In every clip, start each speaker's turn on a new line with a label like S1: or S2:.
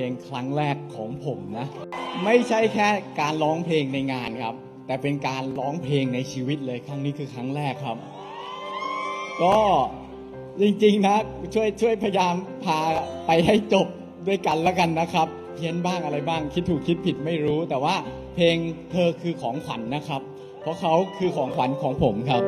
S1: งครั้งแรกของผมนะไม่ใช่แค่การร้องเพลงในงานครับแต่เป็นการร้องเพลงในชีวิตเลยครั้งนี้คือครั้งแรกครับก็จริงๆนะช่วยพยายามพาไปให้จบด้วยกันแล้วกันนะครับเพี้ยนบ้างอะไรบ้างคิดถูกคิดผิดไม่รู้แต่ว่าเพลงเธอคือของขวัญนะครับเพราะเขาคือของขวัญของผมครับ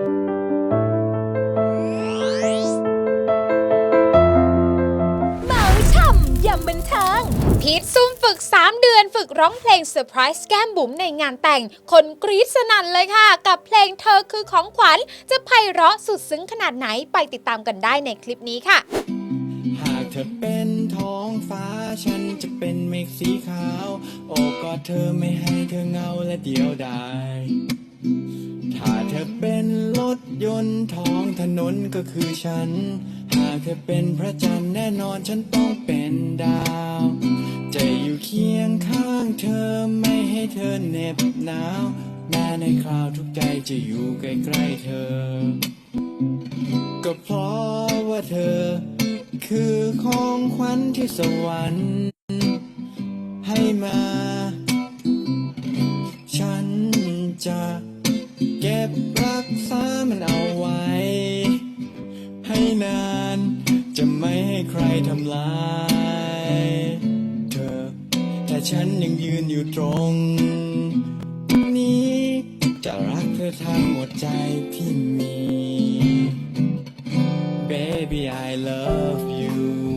S2: ยำบันเทิงพีทซุ่มฝึก3 เดือนฝึกร้องเพลงเซอร์ไพรส์แก้มบุ๋มในงานแต่งคนกรี๊ดสนั่นเลยค่ะกับเพลงเธอคือของขวัญจะไพเราะสุดซึ้งขนาดไหนไปติดตามกันได้ในคลิปนี้ค่ะ
S3: หากเธอเป็นท้องฟ้าฉันจะเป็นเมฆสีขาวโอบกอดเธอไม่ให้เธอเหงาและเดียวดายถ้าเธอเป็นรถยนต์ท้องถนนก็คือฉันหากเธอเป็นพระจันทร์แน่นอนฉันต้องเป็นดาวจะอยู่เคียงข้างเธอไม่ให้เธอเหน็บหนาวแม้ในคราวทุกใจจะอยู่ใกล้ๆเธอก็เพราะว่าเธอคือของขวัญที่สวรรค์ให้มาฉันจะเก็บรักษามันเอาไว้ให้นานจะไม่ให้ใครทำลายเธอแต่ฉันยังยืนอยู่ตรงนี้จะรักเธอทั้งหมดใจที่มี Baby I love you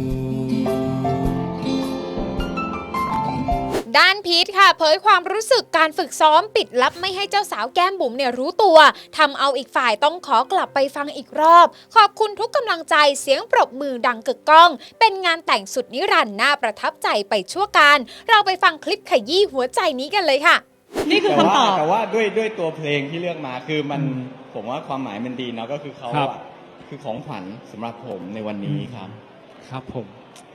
S2: ด้านพีทค่ะเผยความรู้สึกการฝึกซ้อมปิดลับไม่ให้เจ้าสาวแก้มบุ๋มเนี่ยรู้ตัวทำเอาอีกฝ่ายต้องขอกลับไปฟังอีกรอบขอบคุณทุกกำลังใจเสียงปรบมือดังกึกก้องเป็นงานแต่งสุดนิรันดร์น่าประทับใจไปชั่วการเราไปฟังคลิปขยี้หัวใจนี้กันเลยค่ะ
S4: นี่คือคำตอบ
S1: แต่ว่าด้วยตัวเพลงที่เลือกมาคือมันผมว่าความหมายมันดีเนาะก็คือเขาอะคือของขวัญสำหรับผมในวันนี้ครับ
S5: ครับผม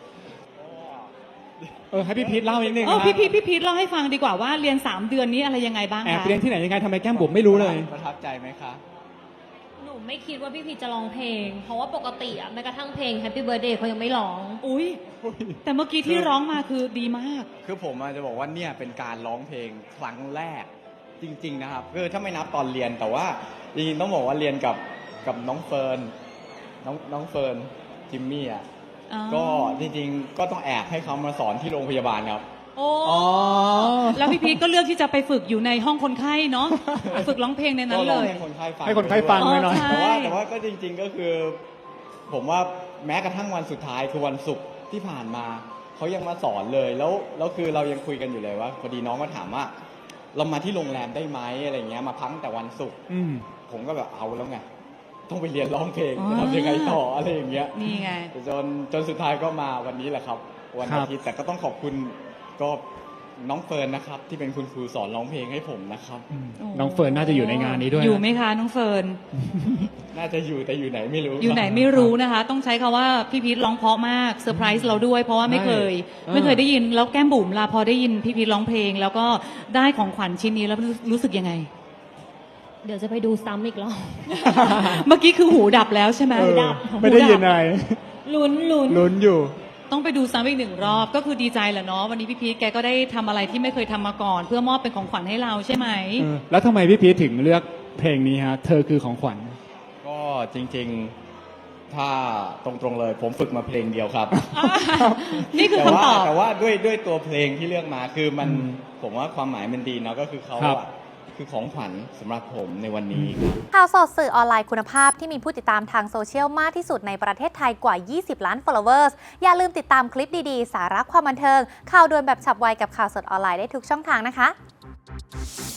S5: ให้พี่พีทเล่านิดนึงนะ
S4: พี่พีทเล่าให้ฟังดีกว่าว่าเรียน3 เดือนนี้อะไรยังไงบ้างคะ
S5: แอบเรียนที่ไหนยังไงทำไมแก้มบุ๋มไม่รู้เลย
S1: ประทับใจไหมคะ
S6: หนูไม่คิดว่าพี่พีจะร้องเพลงเพราะว่าปกติอะแม้กระทั่งเพลง Happy Birthday เขายังไม่ร้อง
S4: อุ้ยแต่เมื่อกี้ที่ร้องมาคือดีมาก
S1: คือผมจะบอกว่าเนี่ยเป็นการร้องเพลงครั้งแรกจริงๆนะครับคือถ้าไม่นับตอนเรียนแต่ว่าจริงๆต้องบอกว่าเรียนกับน้องเฟิร์นน้องเฟิร์นจิมมี่อ่ะก็จริงๆก็ต้องแอบให้เขามาสอนที่โรงพยาบาลครับ
S4: โอ้แล้วพี่พีทก็เลือกที่จะไปฝึกอยู่ในห้องคนไข้เนาะฝึกร้องเพลงในนั้นเลย
S1: ให้คนไข้ฟัง
S5: หน่อย
S1: แต่ว่าก็จริงๆก็คือผมว่าแม้กระทั่งวันสุดท้ายคือวันศุกร์ที่ผ่านมาเขายังมาสอนเลยแล้วคือเรายังคุยกันอยู่เลยว่าพอดีน้องก็ถามว่าเรามาที่โรงแรมได้ไหมอะไรเงี้ยมาพักแต่วันศุกร์ผมก็แบบเอาแล้วไงต้องไปเรียนร้องเพลงจะทำยังไงต่ออะไรอย่างเงี้ย
S4: นี่ไง
S1: จนสุดท้ายก็มาวันนี้แหละครับวันอาทิตย์แต่ก็ต้องขอบคุณก็น้องเฟิร์นนะครับที่เป็นคุณครูสอนร้องเพลงให้ผมนะครับ
S5: น้องเฟิร์นน่าจะอยู่ในงานนี้ด้วย
S4: อยู่ไหมคะน้องเฟิร์น
S1: น่าจะอยู่แต่อยู่ไหนไม่รู้
S4: อยู่ไหนไม่รู้นะคะต้องใช้คำว่าพี่พีทร้องเพราะมากเซอร์ไพรส์เราด้วยเพราะว่าไม่เคยได้ยินแล้วแก้มบุ๋มลาพอได้ยินพี่พีทร้องเพลงแล้วก็ได้ของขวัญชิ้นนี้แล้วรู้สึกยังไง
S6: เดี๋ยวจะไปดูซ้ำอีกรอบ
S4: เมื่อกี้คือหูดับแล้วใช่ไหม
S6: ดับ
S5: ไม่ได้ยินอะไร
S6: ลุ้
S5: นอยู่
S4: ต้องไปดูซ้ำอีก1 รอบก็คือดีใจแหละเนาะวันนี้พี่พีทแกก็ได้ทำอะไรที่ไม่เคยทำมาก่อนเพื่อมอบเป็นของขวัญให้เราใช่ไหม
S5: แล้วทำไมพี่พีทถึงเลือกเพลงนี้ฮะเธอคือของขวัญ
S1: ก็จริงๆถ้าตรงๆเลยผมฝึกมาเพลงเดียวครับ
S4: นี่คือคำตอบ
S1: แต่ว่าด้วยตัวเพลงที่เลือกมาคือมันผมว่าความหมายมันดีเนาะก็คือเขาอะคือของขวัญสำหรับผมในวันนี้
S2: ข่าวสดสื่อออนไลน์คุณภาพที่มีผู้ติดตามทางโซเชียลมากที่สุดในประเทศไทยกว่า 20 ล้าน followers อย่าลืมติดตามคลิปดีๆ สาระความบันเทิงข่าวด่วนแบบฉับไวกับข่าวสดออนไลน์ได้ทุกช่องทางนะคะ